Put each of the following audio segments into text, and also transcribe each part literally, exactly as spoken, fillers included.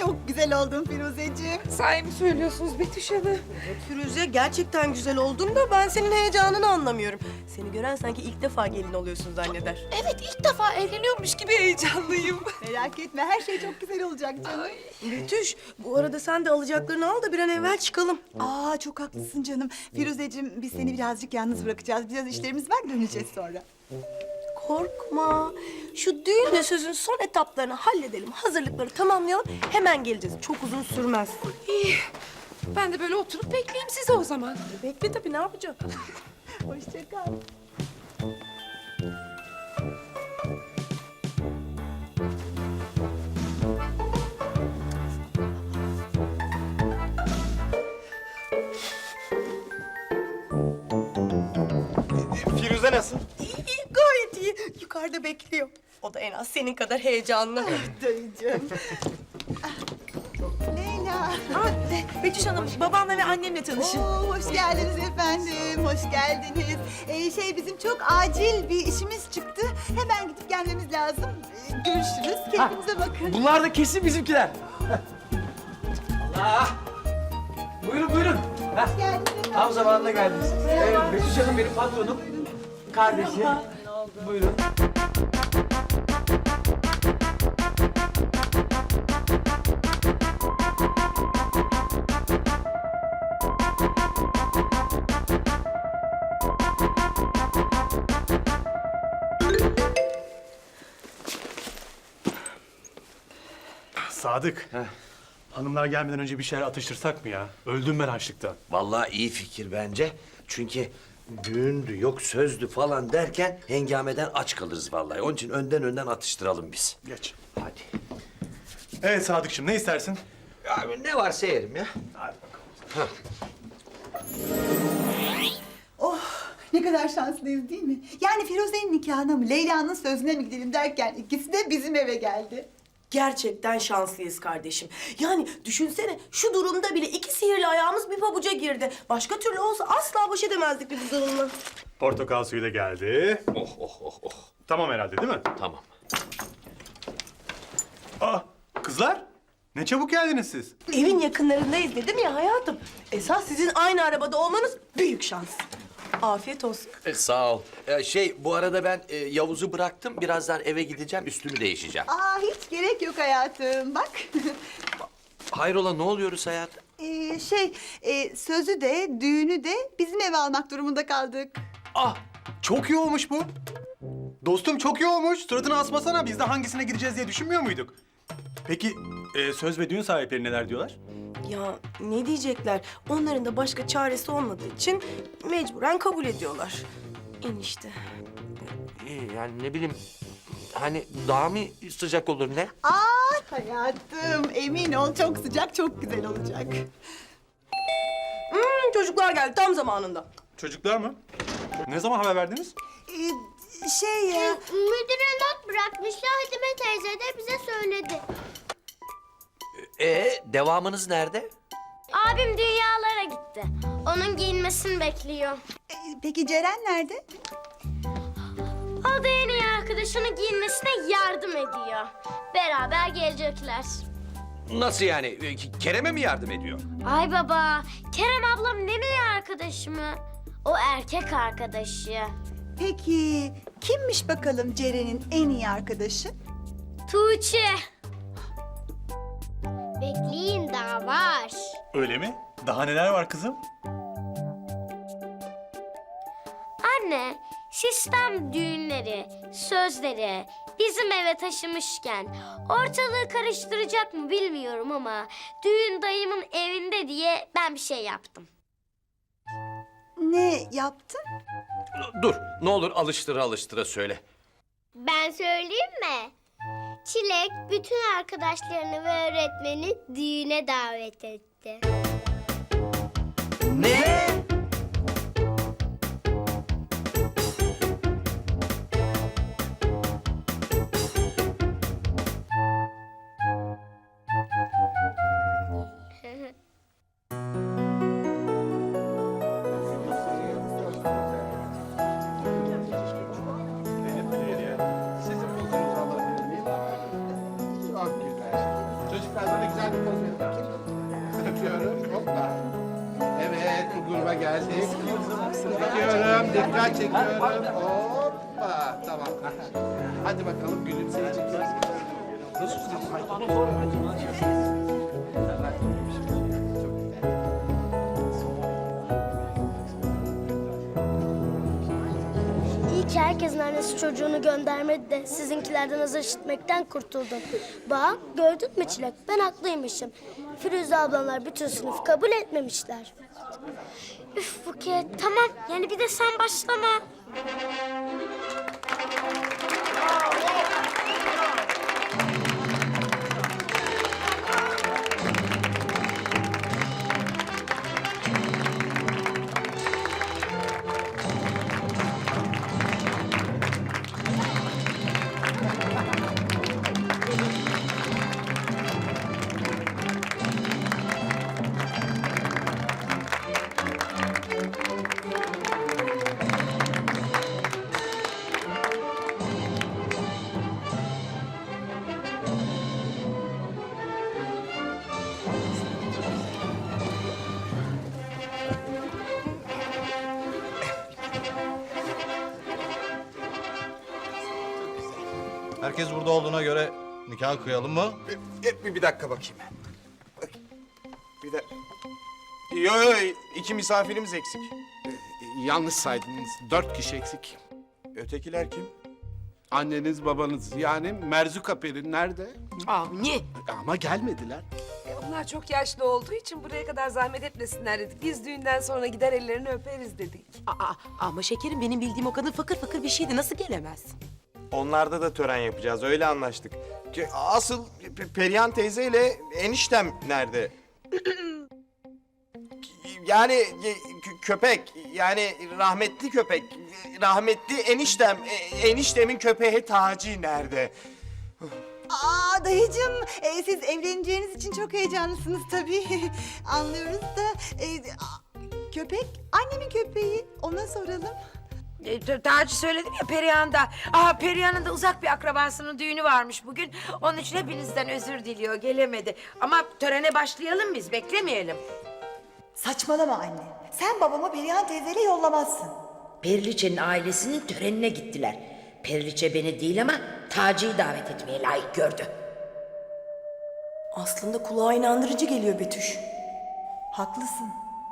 çok güzel oldun Firuzeciğim. Sahi mi söylüyorsunuz Betüş Hanım? Firuze gerçekten güzel oldun da ben senin heyecanını anlamıyorum. Seni gören sanki ilk defa gelin oluyorsun zanneder. Evet, ilk defa evleniyormuş gibi heyecanlıyım. Merak etme, her şey çok güzel olacak canım. Betüş, bu arada sen de alacaklarını al da bir an evvel çıkalım. Aa, çok haklısın canım. Firuzeciğim, biz seni birazcık yalnız bırakacağız. Biraz işlerimiz var, döneceğiz sonra. Korkma. Şu düğünle sözün son etaplarını halledelim. Hazırlıkları tamamlayalım. Hemen geleceğiz. Çok uzun sürmez. İyi, ben de böyle oturup bekleyeyim sizi o zaman. Bekle tabii, ne yapacağım? Hoşça kal. Firuze nasıl? İyi, iyi, gayet iyi. Yukarıda bekliyor. O da en az senin kadar heyecanlı. Dayıcığım. Ah, Leyla. Betüş Hanım, babamla ve annemle tanışın. Oo, hoş geldiniz efendim, hoş geldiniz. Ee, şey, bizim çok acil bir işimiz çıktı. Hemen gidip gelmemiz lazım. Ee, görüşürüz, kendinize bakın. Bunlar da kesin bizimkiler. Allah! Buyurun buyurun. Heh, Hoş geldiniz efendim. tam zamanında geldiniz. Evet, Betüş Hanım benim patronum. Kardeşi. Buyurun. Sadık. Hanımlar gelmeden önce bir şeyler atıştırsak mı ya? Öldüm ben açlıktan. Vallahi iyi fikir bence. Çünkü düğündü, yok sözdü falan derken hengameden aç kalırız vallahi. Onun için önden önden atıştıralım biz. Geç. Hadi. Evet Sadıkçım, ne istersin? Abi ne varsa yerim ya. Hadi bakalım. Oh, ne kadar şanslıyız değil mi? Yani Firuze'nin nikahına mı, Leyla'nın sözüne mi gidelim derken ikisi de bizim eve geldi. Gerçekten şanslıyız kardeşim. Yani düşünsene, şu durumda bile iki sihirli ayağımız bir pabuca girdi. Başka türlü olsa asla baş edemezdik biz bu durumla. Portakal suyu da geldi. Oh oh oh oh. Tamam herhalde değil mi? Tamam. Aa, kızlar. Ne çabuk geldiniz siz. Evin yakınlarındayız dedim ya hayatım. Esas sizin aynı arabada olmanız büyük şans. Afiyet olsun. E, sağ ol. E, şey bu arada ben e, Yavuz'u bıraktım. Birazdan eve gideceğim, üstümü değişeceğim. Aa, hiç gerek yok hayatım, bak. Hayrola ne oluyoruz hayatım? Ee, şey, e, sözü de, düğünü de bizim eve almak durumunda kaldık. Ah, çok iyi olmuş bu. Dostum çok iyi olmuş. Suratını asmasana. Biz de hangisine gideceğiz diye düşünmüyor muyduk? Peki e, söz ve düğün sahipleri neler diyorlar? Ya ne diyecekler? Onların da başka çaresi olmadığı için mecburen kabul ediyorlar. Enişte. İyi yani ne bileyim hani daha mı sıcak olur ne? Aa hayatım, emin ol çok sıcak, çok güzel olacak. Hmm, çocuklar geldi tam zamanında. Çocuklar mı? Ne zaman haber verdiniz? Ee, şey ya... Müdüre not bırakmış. Hadime teyze de bize söyledi. E devamınız nerede? Abim dünyalara gitti. Onun giyinmesini bekliyor. e, peki Ceren nerede? O da en iyi arkadaşının giyinmesine yardım ediyor. Beraber gelecekler. Nasıl yani? E, Kerem'e mi yardım ediyor? Ay baba, Kerem ablam ne iyi arkadaşı mı? O erkek arkadaşı. Peki kimmiş bakalım Ceren'in en iyi arkadaşı? Tuğçe. Bekleyin daha var. Öyle mi? Daha neler var kızım? Anne, sistem düğünleri, sözleri bizim eve taşımışken ortalığı karıştıracak mı bilmiyorum ama düğün dayımın evinde diye ben bir şey yaptım. Ne yaptın? Dur ne olur alıştıra alıştıra söyle. Ben söyleyeyim mi? Çilek bütün arkadaşlarını ve öğretmeni düğüne davet etti. Ne? Sizin bulduğunuz alabilir miyim? Çok güzel. Çocuklar böyle güzel bir Hoppa. Evet, bu gruba geldik. Çekiyorum, dikkat çekiyorum. Hoppa, tamam. Hadi bakalım gülümseyeceksiniz. İyi ki herkesin annesi çocuğunu göndermedi de sizinkilerden azar işitmekten kurtuldum. Bak gördün mü Çilek? Ben haklıymışım. Firuze ablalar bütün sınıf kabul etmemişler. Üf Buket tamam yani bir de sen başlama. Herkes burada olduğuna göre nikah kıyalım mı? Bir, bir, bir dakika bakayım. Bak, bir de... Yo yo iki misafirimiz eksik. Yanlış saydınız. Dört kişi eksik. Ötekiler kim? Anneniz, babanız yani Merzuka Peri nerede? Avni. Ama gelmediler. E, onlar çok yaşlı olduğu için buraya kadar zahmet etmesinler dedik. Biz düğünden sonra gider ellerini öperiz dedik. Aa, ama şekerim benim bildiğim o kadın fakir fakir bir şeydi. Nasıl gelemez? Onlarda da tören yapacağız, öyle anlaştık. Ki Asıl Pe- Perihan teyzeyle eniştem nerede? Yani e, kö- köpek, yani rahmetli köpek, rahmetli eniştem, e, eniştemin köpeği Taci nerede? Aa dayıcığım, e, siz evleneceğiniz için çok heyecanlısınız tabii. Anlıyoruz da e, a- köpek annemin köpeği, ona soralım. E, t- Daha önce söyledim ya Perihan'da. Aa, Perihan'ın da uzak bir akrabasının düğünü varmış bugün. Onun için hepinizden özür diliyor, gelemedi. Ama törene başlayalım biz, beklemeyelim. Saçmalama anne. Sen babamı Perihan teyzeyle yollamazsın. Periliçe'nin ailesinin törenine gittiler. Periliçe beni değil ama Taci'yi davet etmeye layık gördü. Aslında kulağa inandırıcı geliyor Betüş. Haklısın.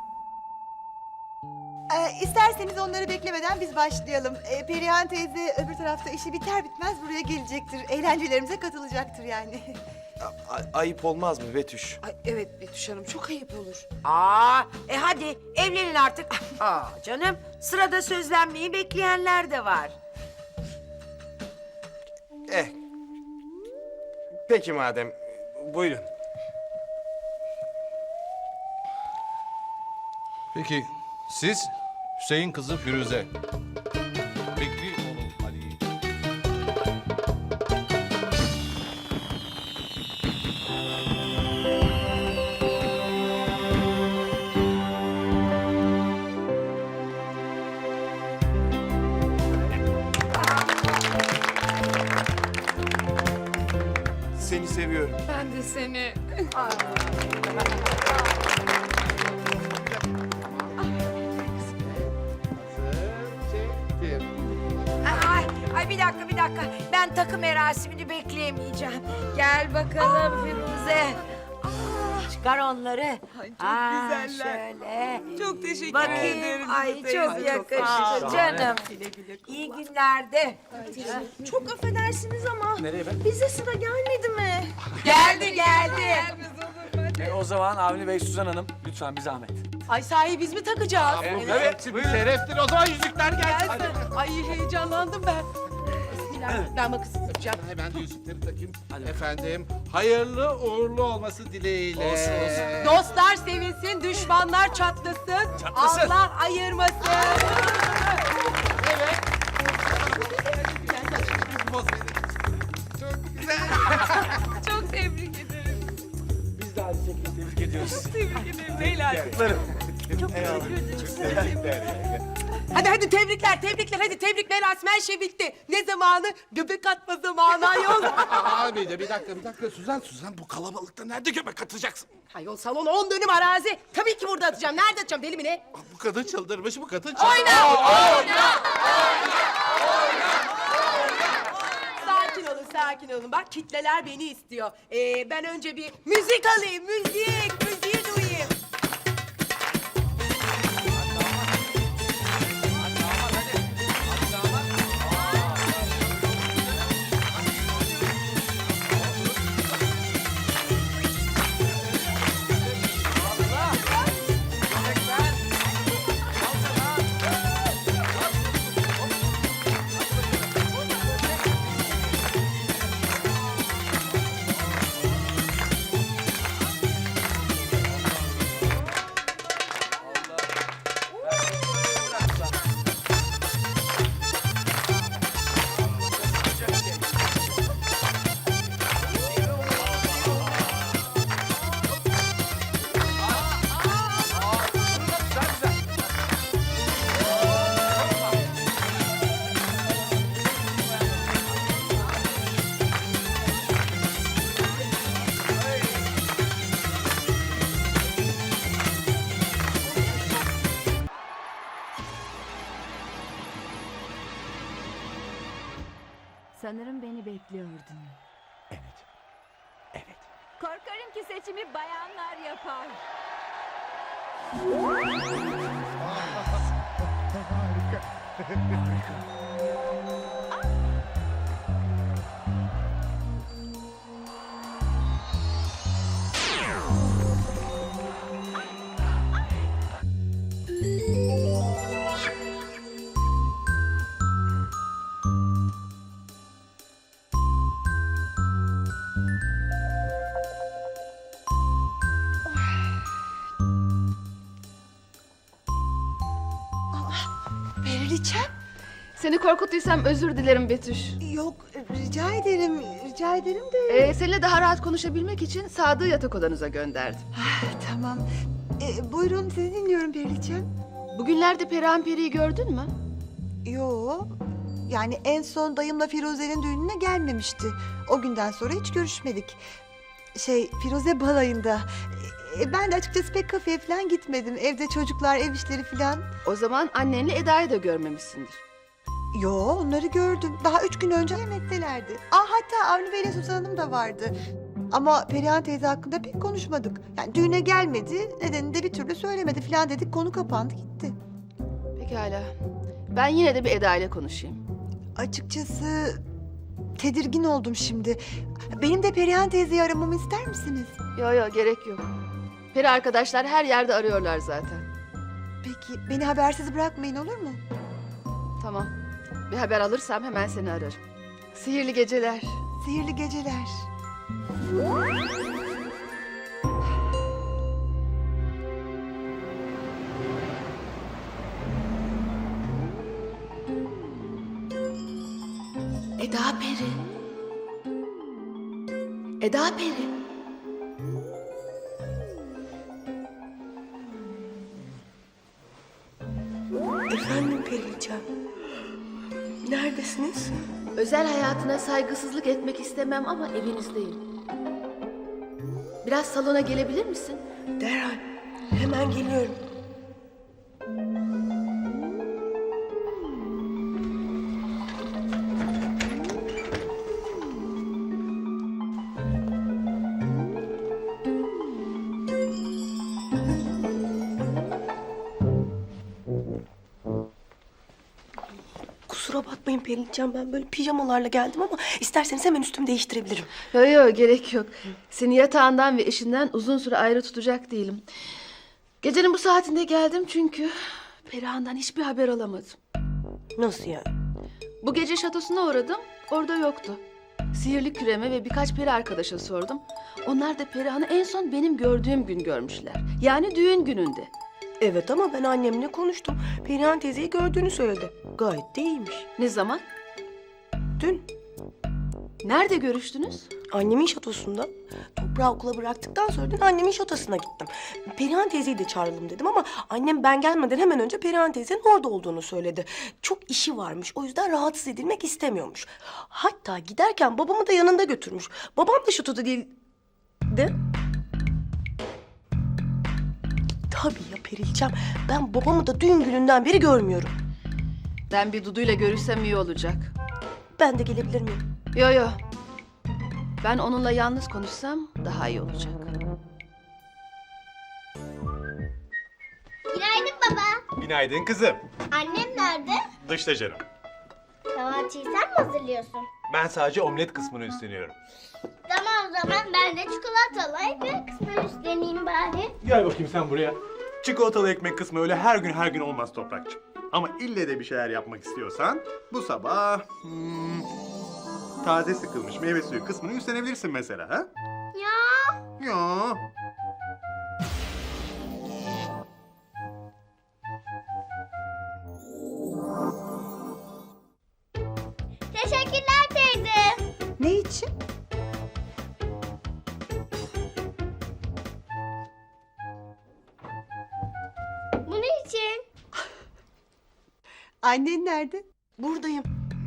Ee, isterseniz onları beklemeden biz başlayalım. Ee, Perihan teyze öbür tarafta işi biter bitmez buraya gelecektir. Eğlencelerimize katılacaktır yani. A- a- ayıp olmaz mı Betüş? Ay, evet Betüş Hanım çok ayıp olur. Aa, e hadi evlenin artık. Aa canım, sırada sözlenmeyi bekleyenler de var. Eh. Peki madem, buyurun. Peki siz Hüseyin kızı Firuze. Bekri oğlu Ali. Seni seviyorum. Ben de seni. Çektim. Ay, ay bir dakika bir dakika. Ben takım merasimini bekleyemeyeceğim. Gel bakalım Firuze. Aa, çıkar onları. Ay, çok Aa, güzeller. Şöyle. Çok teşekkür Bakayım. ederim. Ay teyze. çok yakıştı canım. İyi günlerde. Çok affedersiniz ama Nereye ben? bize sıra gelmedi mi? Geldi geldi. E, o zaman Avni Bey, Suzan Hanım lütfen bir zahmet. Ay sahi biz mi takacağız? Evet, şereftir. O zaman yüzükler gelsin. Ay heyecanlandım ben. Bismillah. Ben makasını tutacağım. Hemen de yüzükleri takayım. Efendim, hayırlı uğurlu olması dileğiyle. Olsun, olsun. Dostlar sevinsin, düşmanlar çatlasın. Çatlasın. Allah ayırmasın. Çok güzel. Çok tebrik ederim. Biz de aynı şekilde tebrik ediyoruz. Tebrik ederim beyler. Kutlarım. Çok teşekkür ederim. Hadi hadi tebrikler, tebrikler. Hadi tebrik merasimi her şey bitti. Ne zamanı? Göbek atma zamanı ayol. Abi de bir dakika bir dakika Suzan Suzan bu kalabalıkta nerede göbek atacaksın? Ayol salon on dönüm arazi. Tabii ki burada atacağım. Nerede atacağım deli mi ne? Ah, bu kadın çıldırmış bu kadın çıldırmış. Sakin olun, sakin olun. Bak kitleler beni istiyor. Ee, ben önce bir müzik alayım, müzik, müziği duyayım. Sanırım beni bekliyordun. Evet. Evet. Korkarım ki seçimi bayanlar yapar. Periliçem? Seni korkuttuysam özür dilerim Betüş. Yok, rica ederim, rica ederim de... Ee, seninle daha rahat konuşabilmek için Sadık'ı yatak odanıza gönderdim. Ah, tamam. Ee, buyurun, sizi dinliyorum Periliçem. Bugünlerde Perihan Peri'yi gördün mü? Yo, yani en son dayımla Firuze'nin düğününe gelmemişti. O günden sonra hiç görüşmedik. Şey, Firuze balayında. Ee, ben de açıkçası pek kafeye falan gitmedim. Evde çocuklar, ev işleri falan. O zaman annenle Eda'yı da görmemişsindir. Yo, onları gördüm. Daha üç gün önce yemektelerdi. Aa, hatta Avni Bey'le Suzan Hanım da vardı. Ama Perihan teyze hakkında pek konuşmadık. Yani düğüne gelmedi, nedenini de bir türlü söylemedi falan dedik. Konu kapandı gitti. Pekala. Ben yine de bir Eda ile konuşayım. Açıkçası tedirgin oldum şimdi. Benim de Perihan teyzeyi aramamı ister misiniz? Yo yo gerek yok. Peri arkadaşlar her yerde arıyorlar zaten. Peki beni habersiz bırakmayın, olur mu? Tamam. Bir haber alırsam hemen seni ararım. Sihirli geceler. Sihirli geceler. Eda Peri. Eda Peri. Efendim Periliçem. Neredesiniz? Özel hayatına saygısızlık etmek istemem ama evinizdeyim. Biraz salona gelebilir misin? Derhal. Hemen geliyorum. Kusura bakmayın Periliçem, ben böyle pijamalarla geldim ama isterseniz hemen üstümü değiştirebilirim. Yok yok gerek yok. Seni yatağından ve eşinden uzun süre ayrı tutacak değilim. Gecenin bu saatinde geldim çünkü Perihan'dan hiçbir haber alamadım. Nasıl yani? Bu gece şatosuna uğradım, orada yoktu. Sihirli küreme ve birkaç peri arkadaşa sordum. Onlar da Perihan'ı en son benim gördüğüm gün görmüşler. Yani düğün gününde. Evet ama ben annemle konuştum. Perihan teyzeyi gördüğünü söyledi. Gayet de iyiymiş. Ne zaman? Dün. Nerede görüştünüz? Annemin şatosunda. Toprağı okula bıraktıktan sonra da annemin şatosuna gittim. Perihan teyzeyi de çağıralım dedim ama annem ben gelmeden hemen önce Perihan teyzenin orada olduğunu söyledi. Çok işi varmış, o yüzden rahatsız edilmek istemiyormuş. Hatta giderken babamı da yanında götürmüş. Babam da şatoda değildi. Tabii ya Perilcem, ben babamı da düğün gününden beri görmüyorum. Ben bir Dudu'yla görüşsem iyi olacak. Ben de gelebilir miyim? Yo yo. Ben onunla yalnız konuşsam daha iyi olacak. Günaydın baba. Günaydın kızım. Annem nerede? Dışta canım. Kahvaltıyı sen mi hazırlıyorsun? Ben sadece omlet kısmını üstleniyorum. Tamam o zaman ben de çikolatalı ekmek kısmını üstleneyim bari. Gel bakayım sen buraya. Çikolatalı ekmek kısmı öyle her gün her gün olmaz Toprakçığım. Ama ille de bir şeyler yapmak istiyorsan bu sabah hmm, taze sıkılmış meyve suyu kısmını üstlenebilirsin mesela ha? Ya. Ya. Teşekkürler teyze. Ne için? Bunun için. Annen nerede? Buradayım.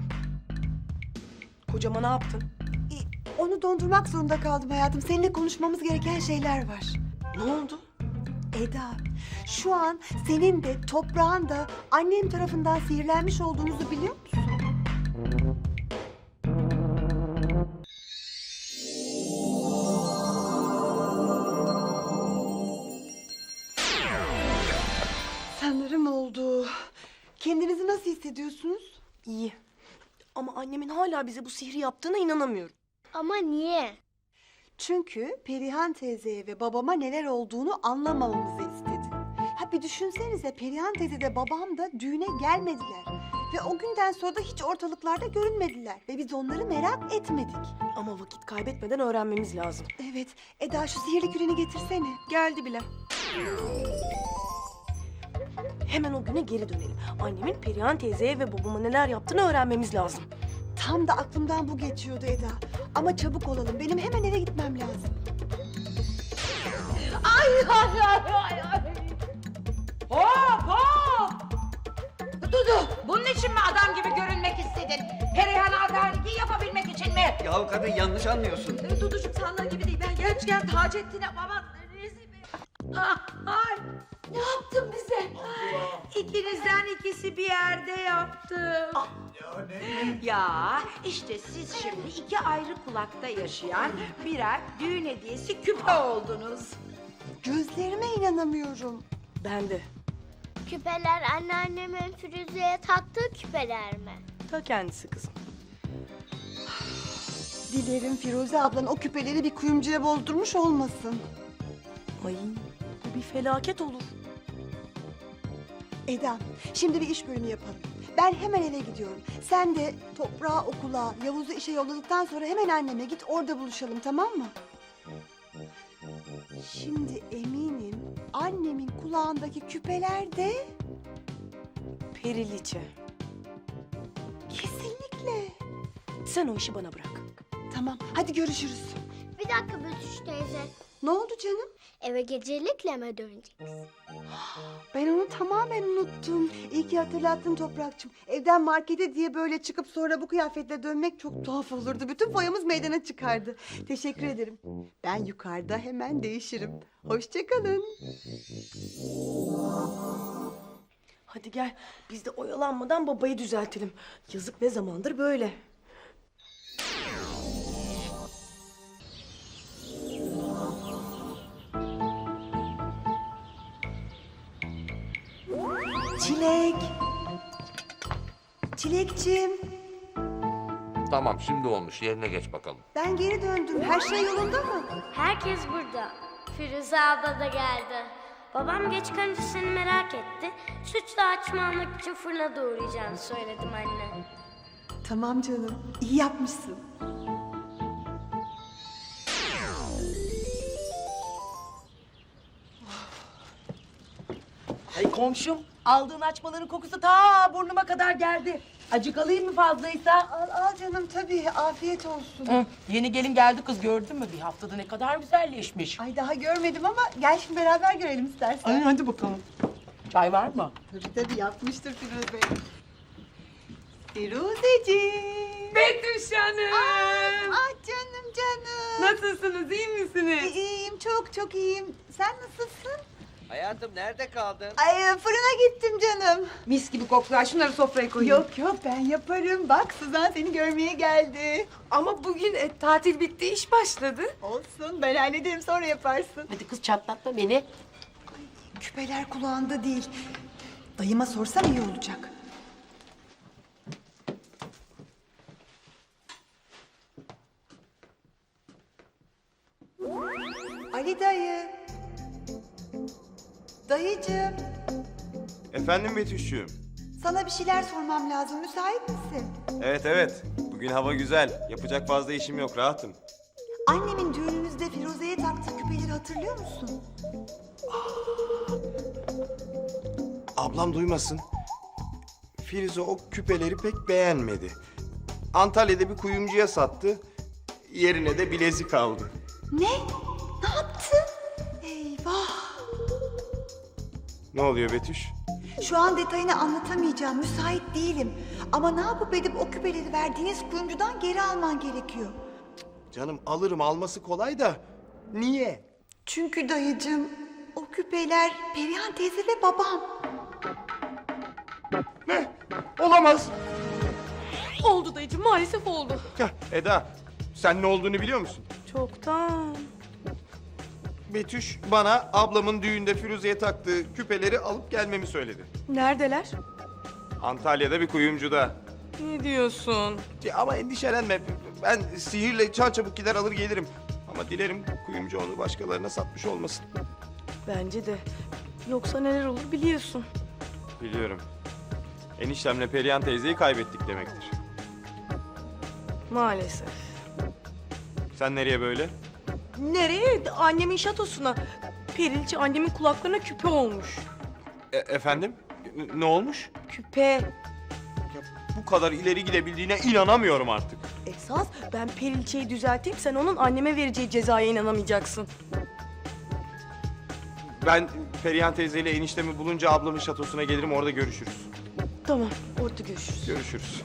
Kocama ne yaptın? E, Onu dondurmak zorunda kaldım hayatım. Seninle konuşmamız gereken şeyler var. Ne oldu? Eda, şu an senin de toprağın da annem tarafından sihirlenmiş olduğunuzu biliyor musun? Sanırım oldu. Kendinizi nasıl hissediyorsunuz? İyi. Ama annemin hala bize bu sihri yaptığına inanamıyorum. Ama niye? Çünkü Perihan teyzeye ve babama neler olduğunu anlamamamızı istedi. Ha bir düşünsenize, Perihan teyze de babam da düğüne gelmediler. Ve o günden sonra da hiç ortalıklarda görünmediler. Ve biz onları merak etmedik. Ama vakit kaybetmeden öğrenmemiz lazım. Evet, Eda şu sihirli küreni getirsene. Geldi bile. Hemen o güne geri dönelim. Annemin Perihan teyzeye ve babama neler yaptığını öğrenmemiz lazım. Tam da aklımdan bu geçiyordu Eda. Ama çabuk olalım, benim hemen eve gitmem lazım. Ay ay ay ay ay. Hop hop. Dudu, bunun için mi adam gibi görünmek istedin? Perihan'a adaleti yapabilmek için mi? Ya kadın yanlış anlıyorsun. Ee, Duducuğum sandığın gibi değil. Ben gerçekten Taceddin'e baban rezil bir... Ah, ay, ne yaptın bize? İkinizden ikisi bir yerde yaptım. Ya işte siz şimdi iki ayrı kulakta yaşayan birer düğün hediyesi küpe oldunuz. Gözlerime inanamıyorum. Ben de. Küpeler anneannemin Firuze'ye taktığı küpeler mi? Ta kendisi kızım. Dilerim Firuze ablan o küpeleri bir kuyumcuya bozdurmuş olmasın. Ay bu bir felaket olur. Eda, şimdi bir iş bölümü yapalım. Ben hemen eve gidiyorum. Sen de toprağı okula, Yavuz'u işe yolladıktan sonra hemen anneme git, orada buluşalım, tamam mı? Şimdi eminim annemin kulağındaki küpeler de Periliçe. kesinlikle. Sen o işi bana bırak. Tamam, hadi görüşürüz. Bir dakika Betüş teyze. Ne oldu canım? Eve gecelikle mi döneceksin? Ben onu tamamen unuttum. İyi ki hatırlattın Toprakçım. Evden markete diye böyle çıkıp sonra bu kıyafetle dönmek çok tuhaf olurdu. Bütün foyamız meydana çıkardı. Teşekkür ederim. Ben yukarıda hemen değişirim. Hoşça kalın. Hadi gel biz de oyalanmadan babayı düzeltelim. Yazık ne zamandır böyle. Çilek. Çilekçim. Tamam şimdi olmuş yerine geç bakalım. Ben geri döndüm. Her şey yolunda mı? Herkes burada. Firuze abla da geldi. Babam geç kalınca seni merak etti. Sütlü açma almak için fırına doğrayacağını söyledim anne. Tamam canım. İyi yapmışsın. Ay komşum, aldığın açmaların kokusu ta burnuma kadar geldi. Acık alayım mı fazlaysa? Al al canım tabii afiyet olsun. Hı, yeni gelin geldi kız gördün mü? Bir haftada ne kadar güzelleşmiş. Ay daha görmedim ama gel şimdi beraber görelim istersen. Ay hadi bakalım. Çay var mı? Tabii tabii yapmıştır Firuze. Firuzeciğim. Betüş Hanım. Ah canım canım. Nasılsınız, iyi misiniz? İyiyim çok çok iyiyim. Sen nasılsın? Hayatım nerede kaldın? Ay fırına gittim canım. Mis gibi koklar. Şunları sofraya koyayım. Yok yok ben yaparım. Bak Suzan seni görmeye geldi. Ama bugün e, tatil bitti, iş başladı. Olsun ben hallederim sonra yaparsın. Hadi kız çatlatma beni. Küpeler kulağında değil. Dayıma sorsam iyi olacak. Ali dayı. Dayıcığım. Efendim Betüş'cüğüm. Sana bir şeyler sormam lazım. Müsait misin? Evet evet. Bugün hava güzel. Yapacak fazla işim yok. Rahatım. Annemin düğünümüzde Firuze'ye taktığı küpeleri hatırlıyor musun? Ablam duymasın. Firuze o küpeleri pek beğenmedi. Antalya'da bir kuyumcuya sattı. Yerine de bilezik aldı. Ne? Ne yaptın? Eyvah. Ne oluyor Betüş? Şu an detayını anlatamayacağım. Müsait değilim. Ama ne yapıp edip o küpeleri verdiğiniz kuyumcudan geri alman gerekiyor. Canım alırım, alması kolay da niye? Çünkü dayıcığım o küpeler Perihan teyze ve babam. Ne? Olamaz. Oldu dayıcığım, maalesef oldu. Heh, Eda, sen ne olduğunu biliyor musun? Çoktan. Betüş bana ablamın düğünde Firuze'ye taktığı küpeleri alıp gelmemi söyledi. Neredeler? Antalya'da bir kuyumcuda. Ne diyorsun? Ya ama endişelenme. Ben sihirle çarçabuk gider alır gelirim. Ama dilerim kuyumcu onu başkalarına satmış olmasın. Bence de. Yoksa neler olur biliyorsun. Biliyorum. Eniştemle Perihan teyzeyi kaybettik demektir. Maalesef. Sen nereye böyle? Nereye? Annemin şatosuna. Perilçe annemin kulaklarına küpe olmuş. E- efendim? N- ne olmuş? Küpe. Ya bu kadar ileri gidebildiğine inanamıyorum artık. Esas ben Perilçe'yi düzelteyim, sen onun anneme vereceği cezaya inanamayacaksın. Ben Perihan teyzeyle eniştemi bulunca ablamın şatosuna gelirim, orada görüşürüz. Tamam, orada görüşürüz. Görüşürüz.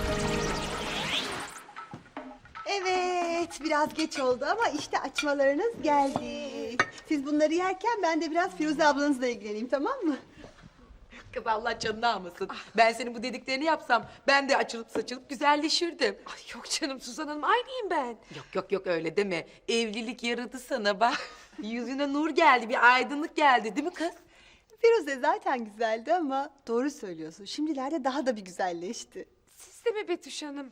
Evet biraz geç oldu ama işte açmalarınız geldi. Siz bunları yerken ben de biraz Firuze ablanızla ilgileneyim tamam mı? Kız Allah canını almasın. Ben senin bu dediklerini yapsam ben de açılıp saçılıp güzelleşirdim. Ay yok canım Suzan Hanım, aynıyım ben. Yok yok yok öyle deme. Evlilik yaradı sana bak. Yüzüne nur geldi, bir aydınlık geldi değil mi kız? Firuze zaten güzeldi ama doğru söylüyorsun. Şimdilerde daha da bir güzelleşti. Siz de mi Betüş Hanım?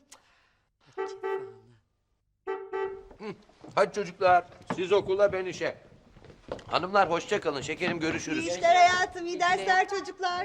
Hadi çocuklar siz okula ben işe. Hanımlar hoşça kalın şekerim görüşürüz. İyi işler hayatım, iyi dersler çocuklar.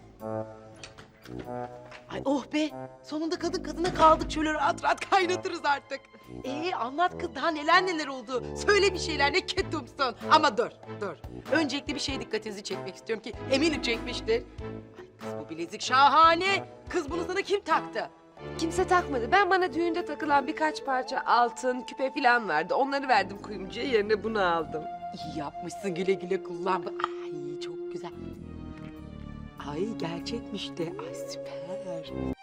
Ay oh be, sonunda kadın kadına kaldık, şöyle rahat rahat kaynatırız artık. Ee anlat kız, daha neler neler oldu. Söyle bir şeyler, ne ketumsun. Ama dur, dur. Öncelikle bir şeye dikkatinizi çekmek istiyorum ki eminim çekmiştir. Ay kız bu bilezik şahane. Kız bunu sana kim taktı? Kimse takmadı. Ben bana düğünde takılan birkaç parça altın, küpe falan vardı. Onları verdim kuyumcuya, yerine bunu aldım. İyi yapmışsın, güle güle kullan. Ay çok güzel. Ay gerçekmiş de. Ay süper.